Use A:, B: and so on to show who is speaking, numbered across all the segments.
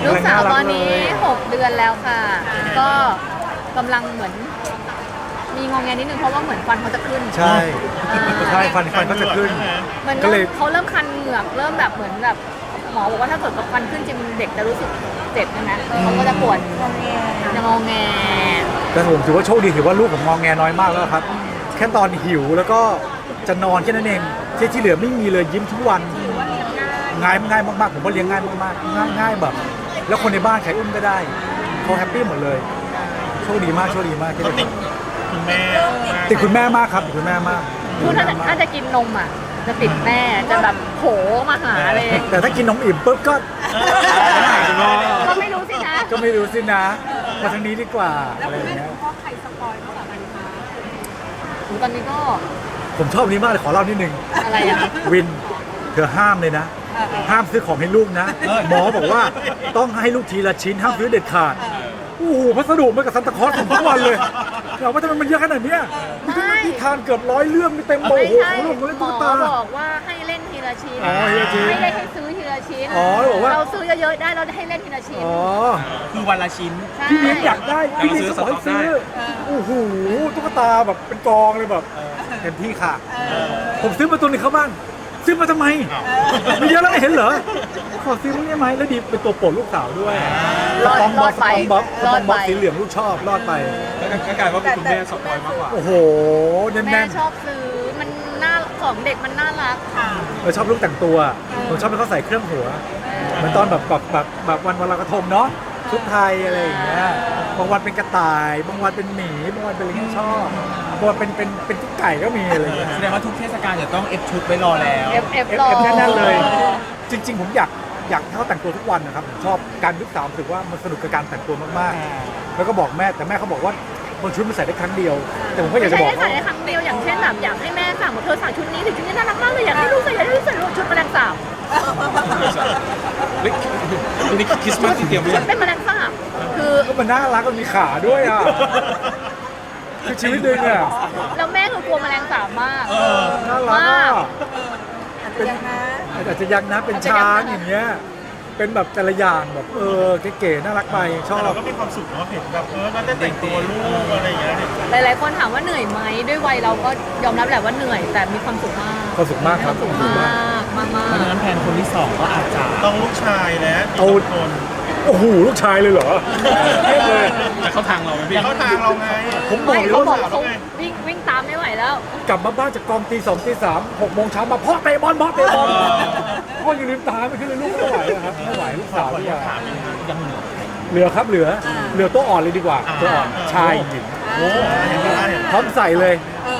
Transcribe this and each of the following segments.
A: ลูกสาวตอนนี้6 เดือนแล้วค่ะ ก็กำลังเหมือนมีงอแงนิดนึงเพราะว่าเหมือนฟันเขาจะขึ้น
B: ใช่ใช่ฟันก็จะขึ้น
A: เหมือน
B: ก็เลย
A: เขาเริ่มคันเหงือกเริ่มแบบเหมือนแบบหมอบอกว่าถ้าเกิดกับฟันขึ้นจริงเด็กจะรู้สึกเจ็บใช่ไหมเขาก็จะปวดจะงอแง
B: แต่ผมถือว่าโชคดีถือว่าลูกผมงอแงน้อยมากแล้วครับ แค่ตอนหิวแล้วก็จะนอนแค่นั้นเองที่เหลือไม่มีเลยยิ้มทุกวันง่ายมากๆผมว่าเลี้ยงง่ายมากๆง่ายแบบ แล้วคนในบ้านใครอุ้มก็ได้เขาแฮปปี้หมดเลยโชคดีมากที่ได้
C: คุณแม่
B: ติดคุณแม่มากครับติดคุณแม่มาก
A: คือถ้าจะกินนมอ่ะจะติดแม่จะแบบโผมาหาเลย
B: แต่ถ้ากินนมอิ่มปุ๊บก็
A: ก็ไม่รู้สินะ
B: ก็ไม่รู้สินะมาทางนี้ดีกว่าอะไรอย่างเงี้ย
A: ตอนนี้ก็
B: ผมชอบอันนี้มากเลยขอเล่านิดนึง
A: อะไรอะ
B: วินเธอห้ามเลยนะ ห้ามซื้อของให้ลูกนะ หมอบอกว่าต้องให้ลูกทีละชิ้นห้ามซื้อเด็ดขาดโอ้โหพัสดุมากับซันตาคลอสผมทุกวันเลยเราว่าทำไมมันเยอะขนาดเนี้ยมีทั้งนิทานเกือบ100 เรื่องมีเต็มโบ
A: ไม่
B: โห
A: ใช่
B: ของลูกของเล่น
A: หม
B: ตุ๊
A: อก
B: ตา
A: บอกว่าให้เล่นทีละชิ้น
B: อ๋อทีละชิ้น
A: ไม่ได้ให้ซื้อทีละชิ้น
B: อ๋อแล้วบอกว่า
A: เราซื้อเยอะๆได้เราให้เล่นทีละชิ้น
B: อ๋อ
C: คือวันละชิ้น
A: ใช่
B: พี่เลี้ยงอยากได้พี่เลี้ยงก็บอกให้ซื้อ
C: ได้
B: โอ้โหตุ๊กตาแบบเป็นกองเลยแบบเต็มที่ค่ะ ผมซื้อมาตัวหนึงเข้าบ้านซื้อมาทำไมไม่เยอะแล้วไม่เห็นเหรอขอซื้อมั้งได้ไหมแล้วดีเป็นตัวโปรดลูกสาวด้วย
A: รอด
B: ส
A: ไป
B: ปองบ๊อบ
A: รอดไป
B: สีเหลืองลูกชอบรอดไป
C: ก็กลายว่าเป็นคุณแม่สปอยมากกว่า
B: โอ้โหแน่
A: แม่
B: น
A: ชอบซื้อมันน่าของเด็กมันน่ารัก
B: ๆชอบลูกแต่งตัวผมชอบให้เขาใส่เครื่องหัวเหมือนตอนแบบวันลอยกระทงเนาะชุดไทยอะไรอย่างเงี้ยบางวันเป็นกระต่ายบางวันเป็นหมีบางวันเป็นอะไรที่ชอบบางวันเป็นตุ๊กไก่ก็มีอะไรอย่างเงี้ย
C: แสดงว่าทุกเทศกาลจะต้องเอฟชุดไว้รอแล้ว
A: เอฟ
B: เอ
A: รอ
B: ฟแน่นๆเลย จริง ๆ ผมอยากให้เขาแต่งตัวทุกวันนะครับผมชอบการลูกสาวรู้สึกว่ามันสนุกกับการแต่งตัวมากๆ แล้วก็บอกแม่แต่แม่เขาบอกว่าบางชุดมันใส่ได้ครั้งเดียว แต่ผมก็อยากจะบอก
A: ไม่ใช่
B: เขา
A: ใส่ในครั้งเดียวอย่างเช่นแบบอยากให้แม่สั่งว่าเธอสั่งชุดนี้ถึงชุดนี้น่ารักมากเลยอยากให้ลูกใส่ชุดแมลงสาบ
C: นี่คริสต์มาสที่เตรียมไว้
A: ชุดเป็นแมลงสาบคือ
B: ก็มันน่ารักมันมีขาด้วยอ่ะคือชีวิตหนึ่งอ่ะ
A: แล้วแม่คือกลัวแมลงสาบมาก
B: น่ารัก
A: มา
B: อ่ะ
A: ก
B: เป็นอาจจะยังนะเป็นช้างอย่างเงี้ยเป็นแบบแต่ละอย่างแบบเก๋ๆน่ารักไปชอบ
C: เราก็มีความสุขเนาะเห็นแบบน่าจะแต่งตัวลูกอะไรอย่างเงี้ย
A: หลายๆคนถามว่าเหนื่อยไหมด้วยวัยเราก็ยอมรับแหละว่าเหนื่อยแต่มีความสุขมาก
B: ความสุขมากครับ
A: สุขมากมาก
C: เพราะฉะนั้นแผนคนที่สองก็อาจจะต้องลูกชายและ
B: เอาโอ้โหลูกชายเลยเหรอเทียบเลย
C: แต่เข้าทางเราไหมพี่เข้าทางเราไง
B: ผมบ
A: ไม่
B: อกเลย
A: เขาบอก
B: ว่า
A: เขาวิ่งตามไม่ไหวแล้ว
B: กลับมาบ้านจากกองตี 2 ตี 3 6 โมงเช้ามาพ่อเตะบอลพ่อพ่อยังลืมตาไม่ขึ้นเลยลูกไม่ไหวอะครับไม่ไหวลูกสาวดีกว่า
C: ยังเหลือ
B: เหลือตัวอ่อนเลยดีกว่าตัวอ่อนชายหญิง
C: โอ้เห็นไหม
B: พร้อมใส่เลย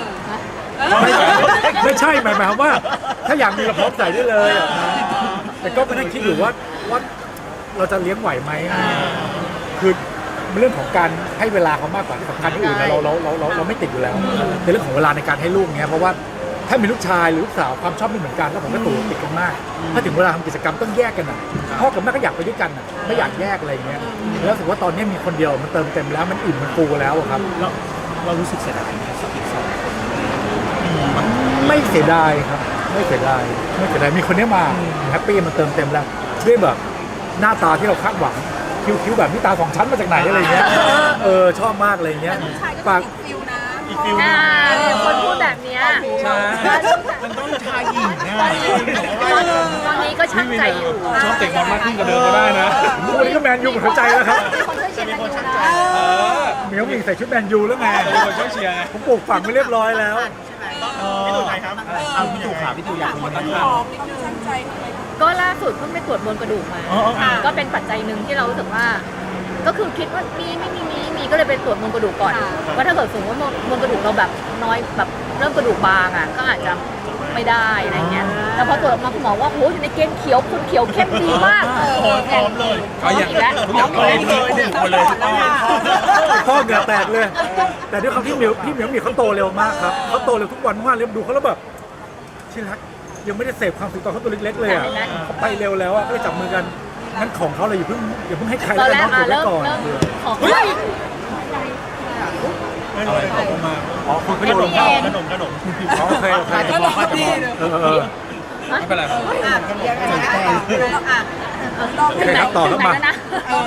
B: ไม่ใช่หมายความว่า ถ้าอยากมีเราพร้อมใส่ได้เลยอะนะแต่ก็ไม่ได้คิดอยู่ว่าเราจะเลี้ยงไหวไหมคือเรื่องของการให้เวลาเขามากกว่าที่สำคัญที่อื่นนะเราไม่ติดอยู่แล้วในเรื่องของเวลาในการให้ลูกเงี้ยเพราะว่าถ้ามีลูกชายหรือลูกสาวความชอบไม่เหมือนกันแล้วผมก็ตู่ติดกันมาก ถ้าถึงเวลาทำกิจกรรมต้องแยกกันอ่ะพ่อกับแม่ก็อยากไปด้วยกันอ่ะไม่อยากแยกอะไรเงี้ยแล้วรู้สึกว่าตอนนี้มีคนเดียวมันเติมเต็มแล้วมันอิ่มมันฟูแล้วอะครับ
C: เรารู้สึกเสียดายไหมสักอีกสอง
B: ไม่เสียดายครับไม่เสียดายมีคนนี้มาแฮปปี้มันเติมเต็มแล้วด้วยแบบหน้าตาที่เราคาดหวังคิ้วแบบนี้ตาสองชั้นมาจากไหนอะไรเงี้ยชอบมากอะไรเงี้ยฝาก
C: อีกฟิล
A: คนพูดแบบเนี้ย
C: ใช่มันต้องชายหญิงนะ
A: ตอนนี้ก็ช่างใจอยู่
C: ชอบเตะบอลมากขึ้นกว่าเดิมก็ได้นะ
B: วันนี้ก็แมนยูหมดหัวใจแล้วครับ
A: มีคนช่วยเชียร์กันอยู่นะ
B: เหมียวหมิงใส่ชุดแมนยูแล้วไง
C: มีคนช่วยเชียร์ไง
B: ผมปลูกฝังไว้เรียบร้อยแล้ว
C: พี่ตู่ไทยครับเอาพี่ตู่ขาพี่ตู่อยากรู้ตั้งแต่
A: ก็ล่าสุดเพิ่งไปตรวจมวลกระดูกมา ก็เป็นปัจจัยหนึ่งที่เรารู้สึกว่า ก็คือคิดว่ามีก็เลยไปตรวจมวลกระดูกก่อนว่าถ้าเกิดสมมติว่ามวลกระดูกเราแบบน้อยแบบเริ่มกระดูกบางอ่ะก็อาจจะไม่ได้อะไรเงี้ยแต่พอตรวจออกมาคุณหมอว่าโหอยู่ในเกณฑ์เขียวคุณเขียวเข้มดีมาก
C: พร้อมเลย
A: พร้อมอีกแล้ว
C: ทุกอย่างพร้อมเลยหมดเลย
B: พ่อเหงื่อแตกเลย แต่ด้วยความที่พี่เหมียวเขาโตเร็วมากครับเขาโตเร็วทุกวันมากเลยดูเขาแล้วแบบที่รักยังไม่ได้เสพความสุขตอนเขาตัวเล็กๆเลยอ่ะเขาไปเร็วแล้วอ่ะก็เลยจับมือกันงั้นของเขาเลยอย่าเพิ่งให้ใคร
A: ตอน
B: แล้ว
A: แร
B: น้อก งเก็บไว้
A: เริ่ม
B: ก่อน
A: ของ
C: ไม่เลยขอบคุณมาก
B: อ๋อคุณก็โยนลงเข้า
C: ขนม
B: โอเคจะมองไม่เป็นไร
A: ถึงไหนแล้วนะ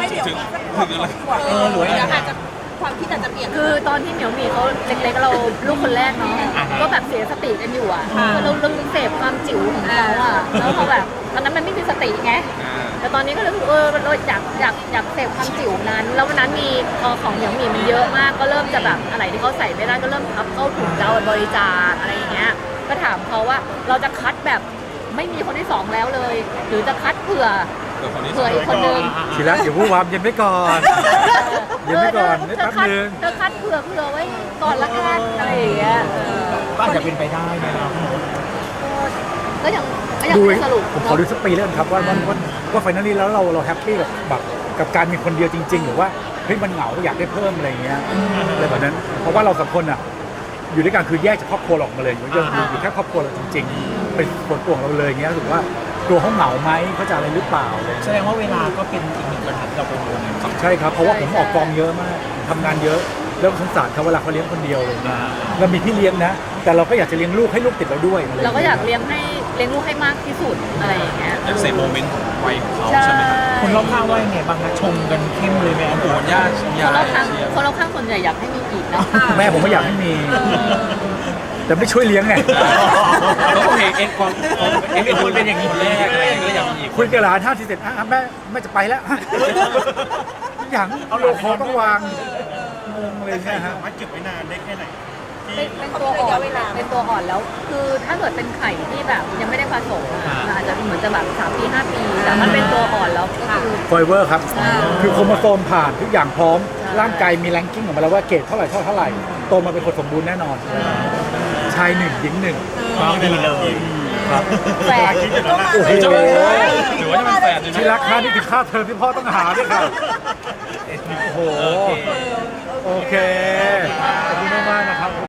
D: เดี๋ยวอีกสักขวบสองขวบหรืออาจจะความคิดอาจจะเปลี่ยน
A: คือตอนที่เหมียวหมีเขาเล็กๆเราลูกคนแรกเนาะก็แบบเสียสติกันอยู่อ่ะคือเราเสพความจิ๋วของเขาอ่ะแล้วพอแบบตอนนั้นมันไม่มีสติไงแต่ตอนนี้ก็เลยเราอยากเสพความจิ๋วนั้นแล้ววันนั้นมีพอของเหมียวหมีมันเยอะมากก็เริ่มจะแบบอะไรที่เขาใส่ไม่ได้ก็เริ่มพับเข้าถุงจะเอาบริจาคอะไรอย่างเงี้ยก็ถามเขาว่าเราจะคัดแบบไม่มีคนที่สองแล้วเลย หรือจะคัดเผื่ออีกคนนึง
B: ทีละอย่าพูดวามเย็นไว้ก่อนเย็นไว้ก่อนนิดแป๊บนึง
A: เธอคัดเผื่อไว้ก่อนละกันอะไรอย่างเงี้ย
C: ก็อาจจะเป็นไปได้นะ
A: ก็ยัง
B: ดู
A: ไม่สรุป
B: ผมขอดูสักปีแล้วกันครับว่าไฟนอลลี่แล้วเราแฮปปี้กับการมีคนเดียวจริง ๆ หรือว่าเฮ้ยมันเหงาอยากได้เพิ่มอะไรอย่างเงี้ยอะไรแบบนั้นเพราะว่าเราสองคนอ่ะอยู่ด้วยกันคือแยกจากครอบครัวเราออกมาเลยอยู่แค่ครอบครัวเราจริงๆเป็นส่วนตัวของเราเลยอย่างเงี้ยรู้สึกว่าตัวเขาเหงาไหมเขาจะอะไรหรือเปล่าอะไร
C: แสดงว่าเวลาก็เป็นอีกหนึ่งปัญหาที่เรากังวล
B: ใช่ครับเพราะว่าผมออกกองเยอะมากทำงานเยอะแล้วสงสารเขาเวลาเขาเลี้ยงคนเดียวเลยเรามีพี่เลี้ยงนะแต่เราก็อยากจะเลี้ยงลูกให้ลูกติดเราด้วย
A: เราก็อยากเลี้ยงลูกให้มากที่สุดอะไรอย่างเงี้ย
E: เซฟโมเมนต์ของวัยของเขา
A: ใช่
E: ใช่ไหมครับ
C: คนรอบข้างว่ายังไงบ้างคะชมกันเข้มเลยไหมอัน
E: โอ้
C: ตัว
E: โหญาติ
A: คนรอบข้างส่วนใหญ่อยากให้มีอีกนะ
B: แม่ผมก็อยากให้มี แต่ไม่ช่วยเลี้ยงไง
E: เขาก็เห็นเอ็นความเอ็นดูเป็นอย่างนี้คนแรกอะไรอย่างเงี้ยก็อยากมีอีก
B: คุยกับหลาน5 ทีเสร็จแม่จะไปแล้ว อย่างโลคอต้องวางงงเลย
C: ใช่
B: เนี่ย
C: ครั
B: ฮะ
C: บว่าเก็บไว้นานได้แค่ไหน
A: เป็นตัวอ่อนเป็นตัวอ่อนแล้ว คือถ้าเกิดเป็นไข่ที่แบบยังไม่ได้ผสมอะมันอาจจะเหมือนจะแบบ3 ปี 5 ปีแต่มันเป็นตัวอ่อนแล้วก็คือ
B: ไฟเวอร์ครับ คือโครโมโซมผ่านทุกอย่างพร้อม ร่างกายมีแรงกิ้งออกมาแล้วว่าเกรดเท่าไหร่โตมาเป็นคนสมบูรณ์แน่นอน ชายหนึ่งหญิงหนึ่ง
C: ก็ดีเลย
B: ครับ
A: แฝด
B: โอ้โห
E: หรือว่าจะเป็นแฟนเลย
B: ที่
E: นะ
B: รักค่านี่คือค่าเทอมที่พ่อต้องหาด้วยค่ะโอ้โห โอเค